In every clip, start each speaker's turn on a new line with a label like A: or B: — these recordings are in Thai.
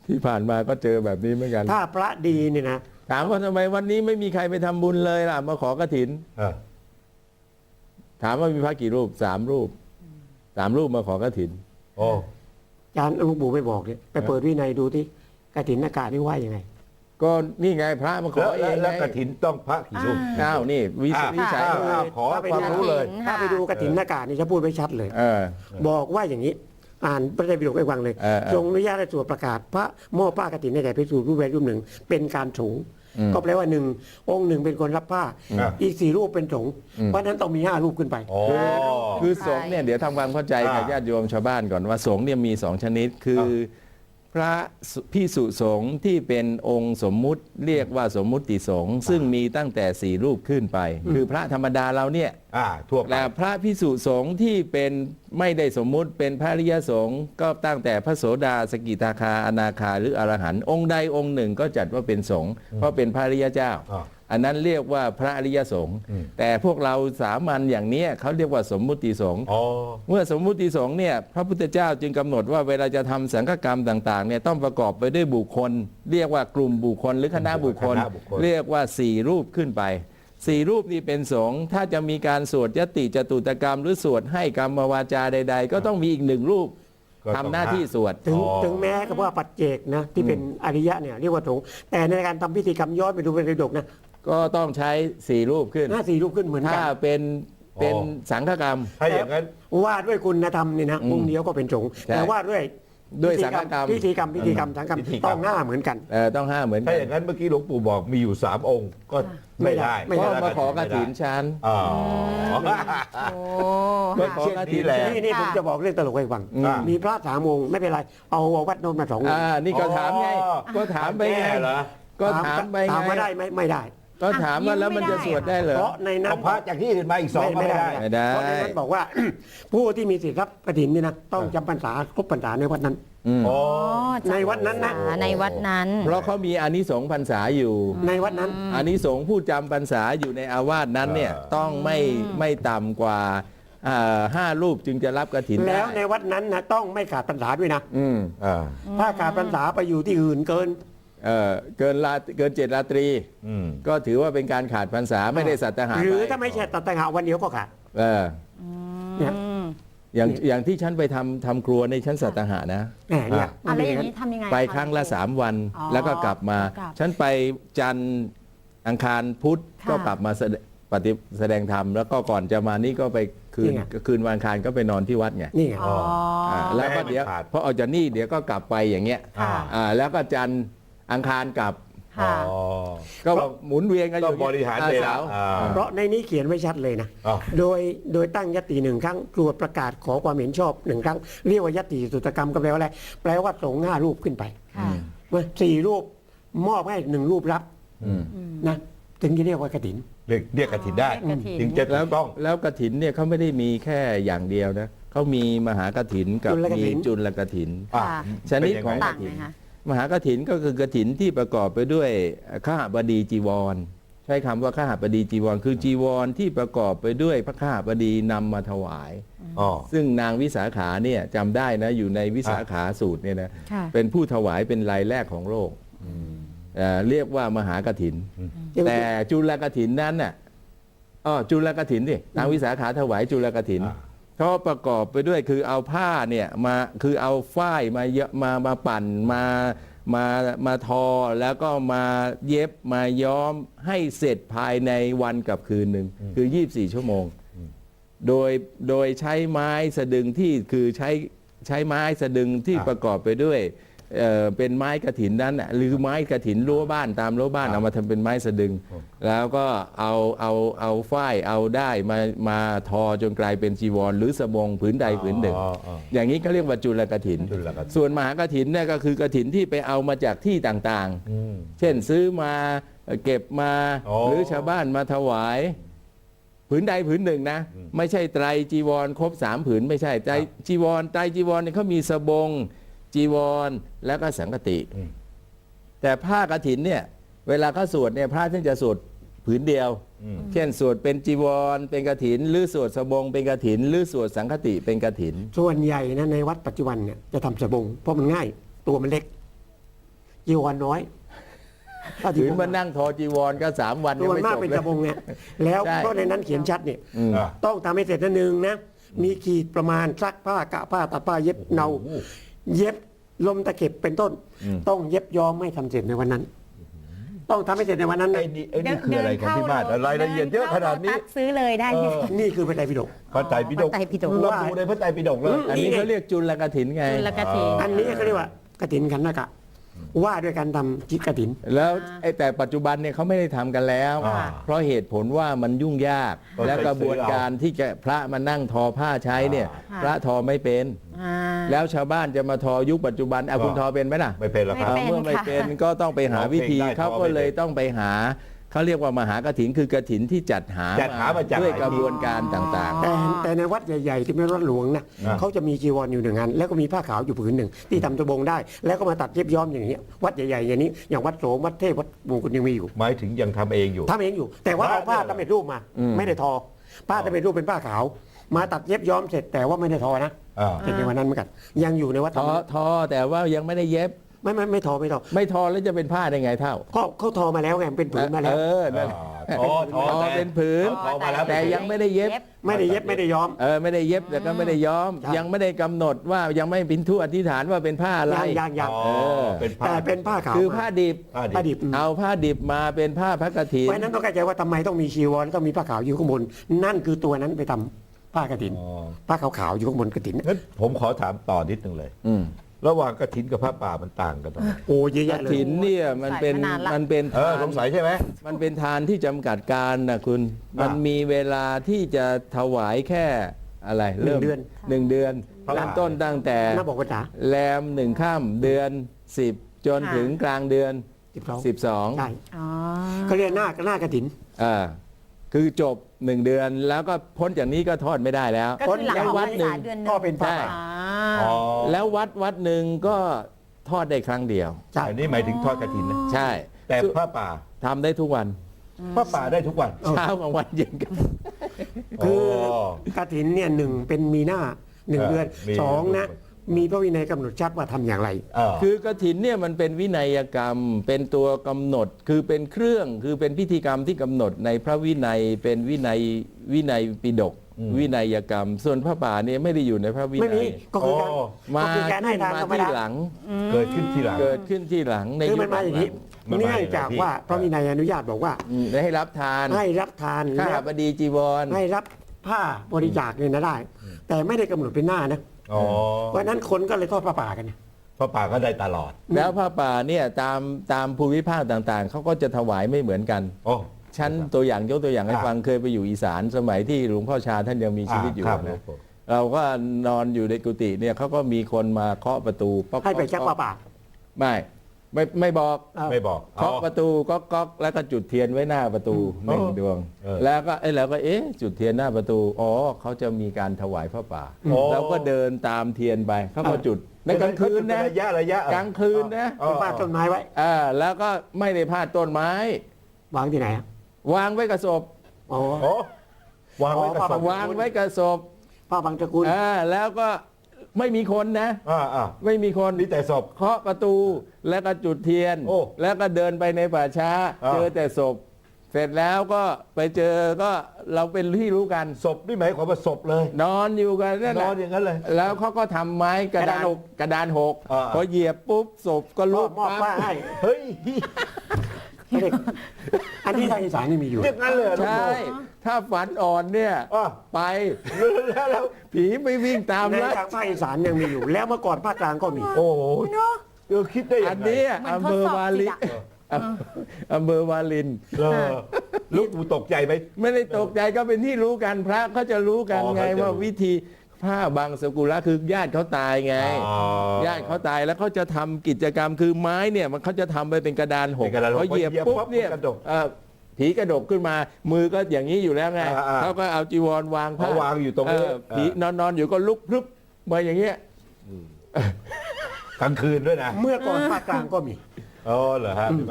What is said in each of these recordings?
A: ที่ผ่านมาก็เจอแบบนี้เหมือนกัน
B: ถ้าพระดีเนี่ยนะ
A: ถามว่าทำไมวันนี้ไม่มีใครไปทำบุญเลยล่ะมาขอกฐินถามว่ามีพระกี่รูป3 รูป3 รูปมาขอกฐิน
C: โอ้
B: อาจารย์หลวงปู่ไม่บอกเนี่ยไปเปิดวินัยดูที่กฐินอากาศนี่ว่ายังไง
A: ก็นี่ไงพระมาขอเอง
C: แล้วกฐินต้องพระกี่รูป
A: อ้าวนี่วิสัย
C: ขอความรู้เลย
B: ถ้าไปดูกฐินอากาศนี่จะพูดไว้ชัดเลยบอกว่าอย่างนี้อ่านพระไตรปิฎกให้ฟังเลยทรงอนุญาตให้สวดประกาศพระมอบผ้ากฐินในแก่ภิกษุรูปใดรูปหนึ่งเป็นการสงฆ์ก็แปลว่าองค์หนึ่งเป็นคนรับผ้าอีก4 รูปเป็นสงฆ์เพราะนั้นต้องมี5 รูปขึ้นไป
A: คือสงฆ์เนี่ยเดี๋ยวทำความเข้าใจกับญาติโยมชาวบ้านก่อนว่าสงฆ์เนี่ยมี2 ชนิดคือพระภิกษุสงฆ์ที่เป็นองค์สมมุติเรียกว่าสมมุติสงฆ์ซึ่งมีตั้งแต่4 รูปขึ้นไปคือพระธรรมดาเราเนี่ย
C: ทั่วไป
A: แต่พระภิกษุสงฆ์ที่เป็นไม่ได้สมมุติเป็นพระอริยสงฆ์ก็ตั้งแต่พระโสดาสกิทาคาอนาคาหรืออรหันต์องค์ใดองค์หนึ่งก็จัดว่าเป็นสงฆ์เพราะเป็นพระอริยเจ้าอันนั้นเรียกว่าพระอริยสงฆ์แต่พวกเราสามัญอย่างนี้เขาเรียกว่าสมมุติสงฆ์เมื่อสมมุติสงฆ์เนี่ยพระพุทธเจ้าจึงกำหนดว่าเวลาจะทำสังฆกรรมต่างๆเนี่ยต้องประกอบไปด้วยบุคคลเรียกว่ากลุ่มบุคคลหรือคณะบุคคลเรียกว่า4 รูปขึ้นไป4 รูปนี้เป็นสงฆ์ถ้าจะมีการสวดยติจตุตกรรมหรือสวดให้กรรมวาจาใดๆก็ต้องมีอีก1 รูปทำหน้าที่สวด
B: ถึงแม้กับว่าปัจเจกนะที่เป็นอริยะเนี่ยเรียกว่าสงฆ์แต่ในการทำพิธีกรรมย้อนไปดูในปิฎกนะ
A: ก็ต้องใช้4 รูปขึ้น
B: 4 รูปขึ้นเหมือนกัน
A: ถ้าเป็นสังฆกรรม
C: ถ้าอย่างนั้น
B: ว่าด้วยคุณธรรมนี่นะองค์เดียวก็เป็นสงฆ์แต่ว่าด้วย
A: สังฆกรรม
B: พิธีกรรมสังฆกรรมต้อง5เหมือนกัน
A: ต้อง5เหมือนกัน
C: ถ้าอย่างนั้นเมื่อกี้หลวงปู่บอกมีอยู่3 องค์ก็ไม่ได้
A: ก็มาขอกฐินชั้น
B: มาขอกฐินนี่ผมจะบอกเรื่องตลกให้ฟังมีพระ3 องค์ไม่เป็นไรเอาวัดโนนมา2 องค์
A: นี่ก็ถามไงก็ถามไปไงก็ถามไปไง
B: ถามว่าได้ไม่ได้
A: ก็ถามว่าแล้วมันจะสวดได้เหรอ
B: เพราะในนั้น
C: พระจากที่อื่นมาอีก2ไม่ได้
B: เพราะในนั้นบอกว่าผู้ที่มีสิทธิ์รับกฐินนี่นะต้องจำพรรษาครบพรรษาในวัดนั้นในวัดนั้นนะ
D: ในวัดนั้น
A: เพราะเขามีอานิสงส์พรรษาอยู่
B: ในวัดนั้น
A: อานิสงส์ผู้จำพรรษาอยู่ในอาวาสนั้นเนี่ยต้องไม่ต่ำกว่า5 รูปจึงจะรับกฐิน
B: แล้วในวัดนั้นนะต้องไม่ขาดพรรษาด้วยนะถ้าขาดพรรษาไปอยู่ที่อื่นเกิน
A: 7 ราตรีก็ถือว่าเป็นการขาดพรรษาไม่ได้สัตหะ
B: หรือถ้าไม่ใช่สัตหะวันเดียวก็ขาด
A: อย่างที่ฉันไปทำครัวในชั้นสัตหะนะ
D: อะไรอย่างนี้ทำยังไง
A: ไปครั้งละ3 วันแล้วก็กลับมาฉันไปจันทร์อังคารพุธก็กลับมาแสดงธรรมแล้วก็ก่อนจะมานี่ก็ไปคืนวันอังคารก็ไปนอนที่วัดไง
B: นี่ไง
A: แล้วก็เดี๋ยวพอออกจากนี่เดี๋ยวก็กลับไปอย่างเงี้ยแล้วก็จันทร์อังคารกลับก็หมุนเวียนกันอยู่
C: บริหารเวลา
B: เพราะในนี้เขียนไว้ชัดเลยนะโดยตั้งยติ1 ครั้งตรวจประกาศขอความเห็นชอบ1 ครั้งเรียกว่ายติสุตกรรมก็แปลว่าอะไรแปลว่าสงฆ์5 รูปขึ้นไป4 รูปมอบให้1 รูปรับนะถึงจะเรียกว่ากฐิน
C: เรียกกฐินได้ถึงจะต้อง
A: แล้วกฐินเนี่ยเขาไม่ได้มีแค่อย่างเดียวนะเขามีมหากฐินกับมีจุลกฐินชนิดของกฐินมหากฐินก็คือกฐินที่ประกอบไปด้วยข้าบดีจีวรใช้คำว่าข้าบดีจีวรคือจีวรที่ประกอบไปด้วยพระข้าบดีนำมาถวายซึ่งนางวิสาขาเนี่ยจำได้นะอยู่ในวิสาขาสูตรเนี่ยนะเป็นผู้ถวายเป็นรายแรกของโลกเรียกว่ามหากฐินแต่จุลกฐินนั้นน่ะจุลกฐินดินางวิสาขาถวายจุลกฐินเขาประกอบไปด้วยคือเอาผ้าเนี่ยมาคือเอาฝ้ายมาปั่นมาทอแล้วก็มาเย็บมาย้อมให้เสร็จภายในวันกับคืนหนึ่งคือ24 ชั่วโมงโดยใช้ไม้สะดึงที่คือใช้ไม้สะดึงที่ประกอบไปด้วยเป็นไม้กฐินนั้นหรือไม้กฐินรั้วบ้านตามรั้วบ้านเอามาทำเป็นไม้สะดึงแล้วก็เอาฝ้ายเอาได้มาทอจนกลายเป็นจีวรหรือสบงผืนใดผืนหนึ่งอย่างนี้เขาเรียกว่าจุลกฐินส่วนมหากฐินเนี่ยก็คือกฐินที่ไปเอามาจากที่ต่างๆเช่นซื้อมาเก็บมาหรือชาวบ้านมาถวายผืนใดผืนหนึ่งนะไม่ใช่ไตรจีวรครบ3 ผืนไม่ใช่ไตรจีวรเนี่ยเขามีสบงจีวรแล้วก็สังฆติแต่ผ้ากฐินเนี่ยเวลาเขาสวดเนี่ยพระท่านจะสวดผืนเดียวเช่นสวดเป็นจีวรเป็นกฐินหรือสวดสบงเป็นกฐินหรือสวดสังฆติเป็นกฐิน
B: ส่วนใหญ่นะในวัดปัจจุบันเนี่ยจะทำสบงเพราะมันง่ายตัวมันเล็กจีวรน้อยถ้า
A: ถือมานั่งทอจีวรก็3 วัน
B: ตั
A: ยัง
B: ว
A: ไม่
B: มา
A: จ
B: ก
A: บ
B: เป็น
A: เล
B: กระบงเนี่ยแล้ว
A: ใช่
B: ก็ในนั้นเขียนชัดเนี่ย
C: อ่ะ
B: ต้องทำให้เสร็จนะหนึ่งนะ มีขีดประมาณซักผ้ากะผ้าตัดผ้าเย็บเนา เย็บลมตะเข็บเป็นต้น ต้องเย็บย้อมไม่ทำเสร็จในวันนั้น ต้องทำให้เสร็จในวันนั้นนะ
C: ไอ้นี่คืออะไรของพี่มาศรายละเอียดเยอะขนาดนี้
D: ซื้อเลยได้ไหม
B: นี่คือพระไตรปิฎก
C: พระไตรปิฎก
D: พระไตรปิฎก
C: ระบุในพระไตรปิฎกเลย
A: อันนี้เขาเรียกจุลกฐินไง
D: จุลกฐิน
B: อันนี้เขาเรียกว่ากฐินขันธกะ ว่าด้วยการทำจิตกฐิน
A: แล้วแต่ปัจจุบันเนี่ยเขาไม่ได้ทำกันแล้ว
C: อ่า
A: เพราะเหตุผลว่ามันยุ่งยาก
C: ก็
A: และกระบวนการที่จะพระมานั่งทอผ้าใช้เนี่ย
D: อ่า
A: พระทอไม่เป็น
D: อ่า
A: แล้วชาวบ้านจะมาทอยุคปัจจุบันเอาคุณทอเป็นไหมล่ะ
C: ไม่เป็นหรอกครับ
D: ไม่
A: เมื่อไม่เป็นก็ต้องไปหาวิธี
C: ร้องเพลงได้
A: เขาก็เลยต้องไปหาเขาเรียกว่ามหากฐินคือกฐินที่จัดหา
C: จัดหามาจาก
A: ด้วย
C: ไหน
A: กระบวนการต่าง
B: แต่ในวัดใหญ่ๆ ที่เป็นวัดหลวงนะ
C: อ่า
B: เขาจะมีจีวรอยู่หนึ่งอันแล้วก็มีผ้าขาวอยู่ผืนหนึ่งที่ทำตะบงได้ แล้วก็มาตัดเย็บย้อมอย่างนี้ยวัดใหญ่ๆอย่างนี้อย่างวัดโสมวัดเทพวัดมงคลยังมีอยู่
C: หมายถึงยังทำเองอยู่
B: ทำเองอยู่ แต่ว่าเอาผ้าสำเร็จรูปมา ไม่ได้ทอ ผ้าสำเร็จรูปเป็นผ้าขาว มาตัดเย็บย้อมเสร็จแต่ว่าไม่ได้ทอนะ
C: อ่า
B: เสร็จในวันนั้นเหมือนกันยังอยู่ในวัด
A: ๆทอแต่ว่ายังไม่ได้เย็บ
B: ไม่ทอ
A: ไม่ทอแล้วจะเป็นผ้าได้ไงเท่า
B: ก็เขาทอมาแล้วไงเป็นผืนมาแล้ว
A: นั่น
C: ทอ
A: ทอเป็นผืน
C: ทอมาแล้ว
A: แต่ยังไม่ได้เย็บ
B: ไม่ได้เย็บไม่ได้ย้อม
A: ไม่ได้เย็บแต่ก็ไม่ได้ย้อม
B: ใช่
A: ยังไม่ได้กำหนดว่ายังไม่เป็นทุอธิษฐานว่าเป็นผ้าอะไร
B: ยัง
C: อ๋อเป็นผ้า
B: แต่เป็นผ้าขาว
A: คือผ้าดิบ
B: ผ้าดิบ
A: เอาผ้าดิบมาเป็นผ้าพระกฐิน
B: เพราะฉะนั้นต้องเข้าใจว่าทำไมต้องมีชีวรต้องมีผ้าขาวอยู่ข้างบนนั่นคือตัวนั้นไปทำผ้ากฐิน
C: อ๋อ
B: ผ้าขาวๆอยู่ข้างบนกฐิน
C: งั้นผมขอถามต่อนิดนึงเลย
A: อืม
C: ระหว่างกฐินกับพระป่ามันต่างกันตรงไหน
B: โอ้เยอะ
A: ก
B: แยะเลย
A: ฐินเนี่ยมันเป็น
D: สายมานานละ
A: มันเป็น
C: สงสัยใช่ไหม
A: มันเป็นทานที่จำกัดการนะคุณ มันมีเวลาที่จะถวายแค่อะไร
B: หนึ่งเดือน
A: หนึ่งเดือน
C: พระ
A: เริ่มต้นตั้งแต่
B: น่าบอกภาษา
A: แรม1 ค่ำเดือน 10 จนถึงกลางเดือน
B: 12 ใช่
A: 12
D: อ๋อ
B: เขาเรียกหน้ากฐิน
A: คือจบ 1 เดือนแล้วก็พ้นจากนี้ก็ทอดไม่ได้แล้ว
D: ก็คือหลัง
A: แล้ว
D: ออก
A: วั
D: พร
A: ด
D: ร
A: หนึ่
D: ษาง เดือนหนึง
B: ก็เป็นผ้า
A: ใช่
B: ขาว
D: อ๋อ
A: แล้ววัดหนึ่งก็ทอดได้ครั้งเดียว
B: ใช่
C: อันนี้หมายถึงทอดกฐินนะ
A: ใช่
C: แต่พระป่า
A: ทำได้ทุกวัน
C: พระป่าได้ทุกวัน
A: เช้ากลางวันเย็นกัน
B: คือกฐินเนี่ยหนึ่งเป็นมีหน้าหนึ่งเดือน
C: มี
B: สองนะมีพระวินัยกำหนดชัดว่าทำอย่างไร
A: คือกฐินเนี่ยมันเป็นวินัยกรรม เป็นตัวกำหนดคือเป็นเครื่องคือเป็นพิธีกรรมที่กำหนดในพระวินัยเป็นวินัยปิฎกวินัยกรรม ส่วนพระป่าเนี่ยไม่ได้อยู่ในพระวิ
B: ไม่
A: นั
B: มี
A: ย
B: ก็คือการ
A: มา
B: ก็คือการให้ทานธรรม
A: ที่
B: ดา
A: หลัง
C: เกิดขึ้นทีหลัง
A: เกิดขึ้นที่หลังใน
B: คือ
A: ยุ
B: มัน
A: ค
B: มาอย่างนี้
C: มันมา
B: เนื่องจากว่าพระวินัยอนุญาตบอกว่า
A: ให้รับทาน
B: ให้รับทาน
A: ข้า
B: และ
A: บดีจีวร
B: ให้รับผ้าบริจาคเนี่ยนะได้ แต่ไม่ได้กำหนดเป็นหน้านะ
C: อ๋อ
B: เพราะฉะนั้นคนก็เลยทอดผ้าป่ากัน
C: พระป่าก็ได้ตลอด
A: แล้วผ้าป่าเนี่ยตามภูมิภาคต่างๆเขาก็จะถวายไม่เหมือนกัน
C: โอ้
A: ชั้นตัวอย่างยกตัวอย่างให้ฟังเคยไปอยู่อีสานสมัยที่หลวงพ่อชาท่านยังมีชีวิตอยู่
C: ครับ
A: นะเราก็นอนอยู่ในกุฏิเนี่ยเขาก็มีคนมาเคาะประตูป๊อก
B: ให้ไปชักผ้าป่า
A: ไม่บอก
C: ไม่บอก
A: เคาะประตูก๊อกแล้วก็จุดเทียนไว้หน้าประตูหนึ่งดวง แล้วก็จุดเทียนหน้าประตูอ๋อเขาจะมีการถวายพระป่าเราก็เดินตามเทียนไปเขาก็จุดในกลางคืนนะ
C: ระยะ
A: กลางคืนนะ
B: เป็นป้าต้นไม้ไว้
A: แล้วก็ไม่ได้พาดต้นไม้
B: วางที่ไหนอะ
A: วางไว้กับศพ
B: อ๋อ
C: โอ้วางไว้กับศพ
A: วางไว้กับศพ
B: ป้าบางตระกูล
A: แล้วก็ไม่มีคนนะ ไม่มีคน
C: มีแต่ศพ
A: เคาะประตูแล้วก็จุดเทียน
C: โอ้
A: แล้วก็เดินไปในป่าช้า เจอแต่ศพ เสร็จแล้วก็ไปเจอก็เราเป็นที่รู้กัน
C: ศพนี่หมายความว่าศพเลย
A: นอนอยู่กันนั่น
C: น
A: แห
C: อ
A: ละ
C: นอย่างนั้นเลย
A: แล้วเขาก็ทำไม้กระดานหก
C: อ่า
A: พอเหยียบปุ๊บศพก็ลุก
B: มอบผ้าให้
C: เฮ้ย
B: เด็กอันนี้ทางอีสานนี่มีอยู่
C: อย่างนั้นเลยเหรอ
A: ใช่ ถ้าฝันอ่อนเนี่ย
C: อ่ะ
A: ไป
C: แล้ว
A: ผีไม่วิ่งตาม
B: ใน
A: แล้ว
B: ทางภาคอีสานยังมีอยู่ แล้วเมื่อก่อนภาคกลางก็มี
C: โอ้โหคิดได้ยั
A: อัน
C: งไง
A: นี้
D: เหมือน
A: อำเภอวาลิน
D: ทดสอบสิ
A: อำเภอวาลิน
C: ลูกกูตกใจไหม
A: ไม่ได้ตกใจก็เป็นที่รู้กันพระเขาจะรู้กัน
C: อ๋อ
A: ไง
C: เขาจะรู้
A: ว่าวิธีผ้าบางสกุละคือญาติเขาตายไง
C: อ๋อ
A: ญาติเขาตายแล้วเขาจะทำกิจกรรมคือไม้เนี่ยมันเขาจะทำไปเป็นกระดานหก
C: เป็นกระดานหก
A: เขาเหยียบ
C: พอเหยียบ
A: ปุ๊บ
C: ปั๊บ
A: เนี่ย
C: กระดก
A: ผีกระดกขึ้นมา มือก็อย่างนี้อยู่แล้วไง
C: อ่า
A: เขาก็เอาจีวรวางผ้า
C: เขาวางอยู่ตรงนี้
A: ผีนอนอยู่ก็ลุกพรึบมาอย่างเงี้ย
C: กลางคืนด้วยนะ
B: เมื่อก่อนภาคกลางก็มี
C: อ๋อเหรอฮะพี่มาศ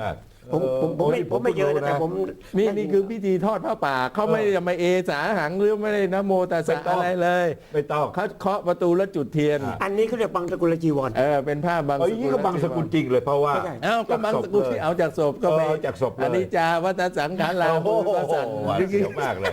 B: ผมไม่เยอะนะแต่ผม
A: นี่คือพิธีทอดผ้าป่าเขาไม่ได้มาเอสาหังหรือไม่ได้นะโมตัสสะอะไรเลย
C: ไม่ต้อง
A: เขาเคาะประตูแล้วจุดเทียน
B: อันนี้เขาเรียกบังสกุลจีวร
A: เป็นผ้าบาง
C: เอ้ยนี่ก็บังสกุลจริงเลยเพราะว่า
A: เอ้าก็บางสกุลที่เอาจากศพก็ไป
C: เอาจากศพเลย
A: อนิจจาวัฏสังขารลา
C: โอ้โห
A: ก็สั่น
C: หวานเสียวมากเลย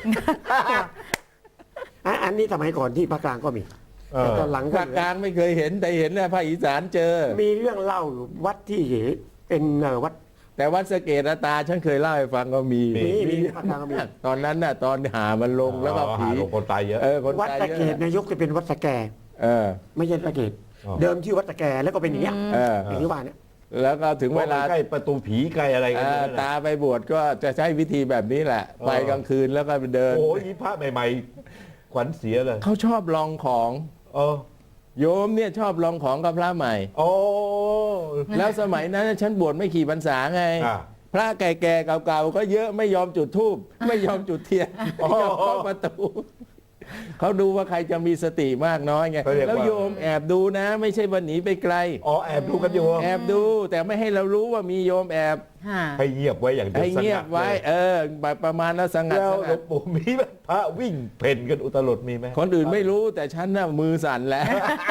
B: อันนี้สมัยก่อนที่ภาคกลางก็มีแต่ตอนหลังก็
A: ภาคกลางไม่เคยเห็นแต่เห็นนะภาคอีสานเจอ
B: มีเรื่องเล่าอยู่วัดที่เป็นวัด
A: แต่วัดสะเกดตาฉันเคยเล่าให้ฟังก็มี
B: มีภาคกลางก็มี
A: ตอนนั้นน่ะตอนหามันลงแล้วก็ผี
C: หาลงคนตายเยอะ
A: คน
B: วัด
A: ตาย
B: สะ
A: เย
B: เกด
A: อะ
B: นายกจะเป็นวัดสะแก
A: เออ
B: ไม่ใช่สะเกด
C: อ๋อ
B: เดิมชื่อวัดสะแกแล้วก็เป็นอย่างเงี้ย
A: เออ
B: อย่างที่ว่าเนี่ย
A: แล้วก็ถึงเวลา
C: ใกล้ประตูผีใกล้อะไรกันเนี่ยนะ
A: ตาไปบวชก็จะใช้วิธีแบบนี้แหละ ไปกลางคืนแล้วก็ไปเดิน
C: โอ้ยพระใหม่ๆขวัญเสียเลย
A: เขาชอบลองของ
C: เออ
A: โยมเนี่ยชอบลองของกับพระใหม่
C: โอ้
A: แล้วสมัยนั้นฉันบวชไม่ขี่พรรษาไง
C: อ่า
A: พระแก่ๆเก่าๆก็เยอะไม่ยอมจุดธูปไม่ยอมจุดเทียนไม่ยอมเข้าประตูเขาดูว่าใครจะมีสติมากน้อยไง
C: เขาเรียกว่า
A: แล้วโยมแอบดูนะ ไม่ใช่ว่าหนีไปไกล
C: อ๋อแอบดูกันอยู่
A: แอบดูแต่ไม่ให้เรารู้ว่ามีโยมแอบ
D: ค่ะ
C: ให้เงียบไว้อย่างเดียว
A: ให้เงียบไว้ แบบประมาณแล้วสงัด
C: แล้ว
A: ส
C: หล
A: งั
C: ว
A: ด
C: งปู่มีไหมพระวิ่งเพ่นกันอุตลุดมีไหม
A: คนอื่นไม่รู้แต่ฉันน่ะมือสั่นแล้ว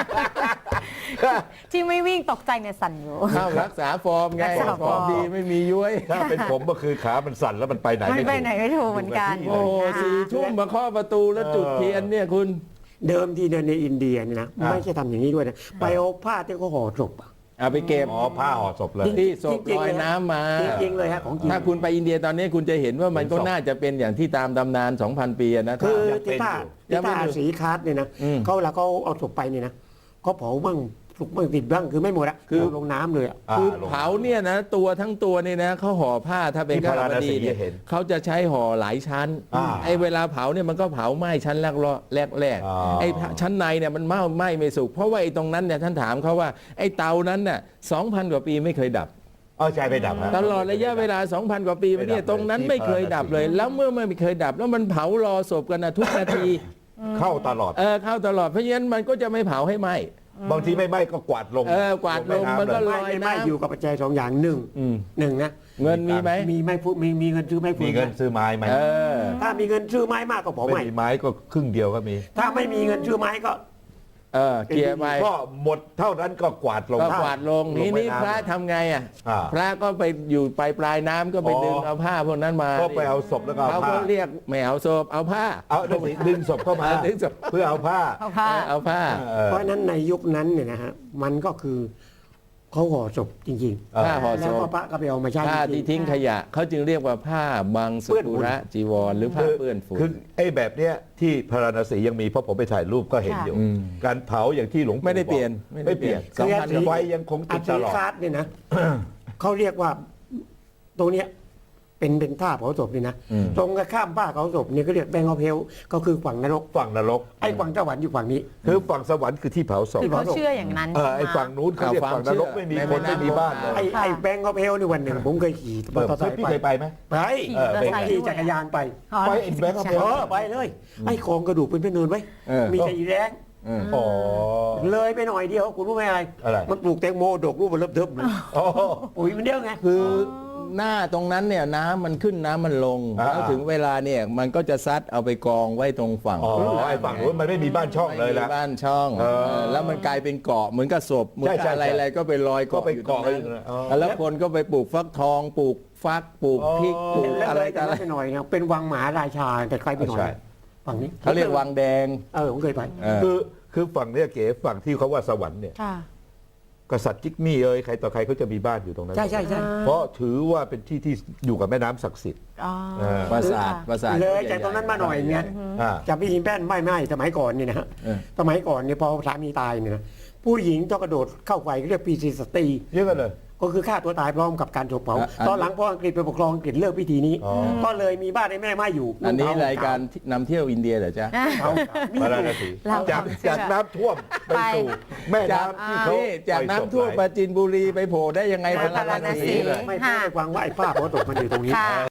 D: ที่ไม่วิ่งตกใจเนี่ยสั่นอยู่
A: เข้ารักษาฟอร์มไง
D: รักษาฟ
A: ฟ
D: อ
A: อ
D: ร์
A: ร์
D: ม
A: มดีไม่มีย้วย
C: ถ้าเป็นผมก็คือขามันสั่นแล้วมันไปไหน
D: ไม่
C: ไม่
D: ไป
C: ถูก
D: ไหนไม่ถูกเหมือนกัน
A: โอ้โห
D: นะคะ
A: 4 ทุ่มมาเคาะประตูแล้วจุดเทียนเนี่ยคุณ
B: เดิมทีในอินเดียนี่นะไม่ใช่ทำอย่างนี้ด้วยนะไปเอาผ้าที่เขาห่อศพอะ
A: เอาไปเก็บ
C: อ๋อผ้าห่อศพเลย
A: ที่ศพ
B: จริงๆ
A: ลอยน้ำมา
B: จริงๆเลยฮะของจริง
A: ถ้าคุณไปอินเดียตอนนี้คุณจะเห็นว่ามันก็
C: เห็นศพ
A: น่าจะเป็นอย่างที่ตามตำนาน 2,000 ปีอะนะ
B: คือ
C: ยังเป็น
B: ที่ท่า
A: อยู่
B: ที่ท่าสีคาร์ดเนี่ยนะ
A: อืม
B: เขาเวลาเขาเอาศพไปเนี่ยนะเขาเผาบ้างสุกบ้างติดบ้างคือไม่หมดอะ
A: คือ
B: ลงน้ำเลยอะ
A: คือ
C: ลง
A: เผาเนี่ยนะตัวทั้งตัวเนี่ยนะเขาห่อผ้าถ้าเป็น
C: ที่
A: ข้าว
C: พาราณ
A: บ
C: สี
A: ดีเนี่ย
C: เห็น
A: เขาจะใช้ห่อหลายชั้น
C: อ่า
A: ไอ้เวลาเผาเนี่ยมันก็เผาไหม้ชั้นแรกแรก
C: อ๋อ
A: ไอ้ชั้นในเนี่ยมันไหม้ไม่สุกเพราะว่าไอ้ตรงนั้นเนี่ยท่านถามเขาว่าไอ้เตานั้นน่ะ 2,000 กว่าปีไม่เคยดับ
C: อ๋อใช่ไปดับฮะ
A: ตลอดระยะเวลา 2,000 กว่าปีมาเนี่ย
C: ไม่ดับเลย
A: ตรงนั้นไม่เคยดับเลย แล้วเมื่อไม่เคยดับ แล้วมันเผารอศพกันนะทุกนาที
C: เข้าตลอด
A: เข้าตลอดเพราะฉะนั้นมันก็จะไม่เผาให้ไหม้
C: บางทีไม่ไหม้ก็กวาดลง
A: กวาดลง
C: แำ
A: มันก็
C: เลย
A: ลอย
B: ไม่
A: น้ำ
B: อยู่กับปัจจัยสองอย่างหนึ่ง
A: อืม
B: หนึ่งนะ
A: เงินมีไหม
B: มีไม่พูดมีเงินซื้อไม่พูด
C: มีเงินซื้อไม้ไหม
A: เออ
B: ถ้ามีเงินซื้อไม้มากก็เผา
C: ไม่
B: ใหม่
C: มีไม้ก็ครึ่งเดียวก็มี
B: ถ้าไม่มีเงินซื้อไม้ก็
A: เกียร์ไป
C: ก็หมดเท่านั้นก็กวาดลง
A: ก็กวาดลง
C: ล
A: นี่
C: งแม่
A: นี่
C: น้ำ
A: พระทำไงอ่ะ
C: อ่า
A: พระก็ไปอยู่ปลายน้ำก็ไป
C: อ๋อ
A: ดึงเอาผ้าพวกนั้นมา
C: ก็ไปเอาศพแล้วก็เอา
A: เขา
C: ผ้า
A: ก็เรียกไม่เอาศพเอาผ้า
C: เอาดึงศพเข้ามา
A: ดึงศพ
C: เพื่อเอาผ้า
D: เอาผ้า
A: เอาผ้า
B: เพราะฉะนั้นในยุคนั้นเนี่ยนะฮะมันก็คือเขาห่อศพจริง
A: ผ้าห่อ
B: ๆ
A: ศ
B: แล้ว
A: พ
B: ก็พระก็ไปเอามาใช้
A: ผ้า
B: จริ
A: ที่
B: ง
A: ทิ้งขยะเขาจึงเรียกว่าผ้าบางสกุระจีวรหรือผ้าเปื้อนฝุ่น
C: คือไอ้แบบเนี้ยที่พาราณสียังมีเพราะผมไปถ่ายรูปก็เห็นอยู่
A: อืม
C: การเผาอย่างที่หลวงปู่
A: ไม่ได้เปลี่ยน
C: บอกไม่เปลี่ยน
A: สองพัน
B: คือ
C: ไฟยังคง
B: อั
C: ติด
B: ฐิ
C: ตลอด
B: คาร์ดเนี่ยนะ เขาเรียกว่าตรงเนี้ยเป็นท่าเผาศพนี่นะ
A: อืม
B: ตรงกับข้ามผ้าเผาศพเนี่ยก็เรียกแบงก์ออฟเฮลก็คือฝั่งนรก
C: ฝั่งนรก
B: ไอ้ฝั่งสวรรค์อยู่ฝั่งนี้
C: คือฝั่งสวรรค์คือที่เผาศพ
B: ที่
D: เขาเชื่ออย่างนั้น
C: ไอ้ฝั่งนู้นเขาเรียกฝั่งนรกไม่มีคนไม่มีบ้านเลย
B: ไอ้แบงก์ออฟเฮลนี่วันหนึ่งผมเคยขี่มอเตอร์ไซค์
C: พี่
B: ไป
C: เคยไปไหม
B: ไป
D: ขี่มอเตอร์ไซค์
B: ขี่
D: ด้วย
B: จักรยานไป
D: อ๋อ
C: ไปไอ้แบงค์เอา
D: ใช่
B: ไปเลย ไอ้โครงกระดูกเป็นเนินไว้
A: เออ
B: มีสีแดง
C: อ๋อ
B: เลยไปหน่อยเดียวคุณรู้ไหมอะไร
C: อะไร
B: มันปลูกแตงโมดกรูปมันเริ่มเทิบเลย
C: อ๋อ
B: ปุ๋ยมันเดียวไง
A: คือหน้าตรงนั้นเนี่ยน้ำมันขึ้นน้ำมันลง
C: อ่า
A: แล้วถึงเวลาเนี่ยมันก็จะซัดเอาไปกองไว้ตรงฝั่ง
C: อ๋อไอ้ฝั่งนู้นมันไม่มีบ้านช่องเลย
A: ไม่
C: ละ
A: มีบ้านช่อง
C: เออ
A: แล้วมันกลายเป็นเกาะเหมือนกับศพเหมือน
C: ใช่
A: กับ
C: ใช่
A: อะไรๆก็ไปลอย
C: ก็
A: เกาะ
C: ไป
A: อยู่ตรง
C: เกาะ
A: นั้น
C: อยู่นะอ๋อ
A: แล้วคนก็ไปปลูกฟักทองปลูกฟักปลูกพริกปลูก
B: แล้ว
A: อะ
B: เล
A: ไร
B: ย
A: ต่
B: จาก
A: ออะไร
B: นั้นไปหน่อยนะเป็นวังมหาราชาแต่ไกลไปหน่อย
C: ใช่
B: ฝั่งนี้
A: เขาเรียกวังแดง
B: ผมเคยไป
A: เออ
C: คือฝั่งเนี้ยเก๋ฝั่งที่เขาว่าสวรรค์เนี่ย
D: ค่ะ
C: กษัตริย์จิกมี่เอ้ยใครต่อใครเขาจะมีบ้านอยู่ตรงนั้น
B: ใช่ใช่ใช่
C: เพราะถือว่าเป็นที่ที่อยู่กับแม่น้ำศักดิ์สิทธิ์
D: อ๋อ
C: เออ
A: ปราสาทปราสาท
B: เลยจากตรงนั้นมาหน่อยเนี่ย
C: อ่า
B: จากพี่หินแป้นไม่สมัยก่อนเนี่ยนะฮะ
A: เออ
B: สมัยก่อนเนี่ยพอสามีตายเนี่ยนะผู้หญิงต้องกระโดดเข้าไฟเรียกปีซีสตรี
C: เยอะกันเลย
B: ก็คือฆ่าตัวตายพร้อมกับการถูกเผา
A: อ่ะ
B: ตอนหลังพออังกฤษไปปกครองอังกฤษเลิกพิธีนี้
C: อ๋อ
B: ก็เลยมีบ้านในแม่ไม้อยู่
A: อันนี้รายการนำเที่ยวอินเดียเหรอจ๊ะ
B: เผามี
C: พา
B: อ
C: ราณ
B: ยู่
C: สี
D: เรา
C: จาก
D: ความเชื่อ
C: จากน้ำท่วมไปสู่แม่น้ำที่เขา
A: นี่จากน้ำท่วมปราจีนบุรีไปโผล่ได้ยังไง
D: ไป
A: พาราณสี
D: พาราณสี
B: ไม่พูดให้ฟังว่าไอ้ป้าเพราะตกมันอยู่ตรงนี้
D: ค่ะ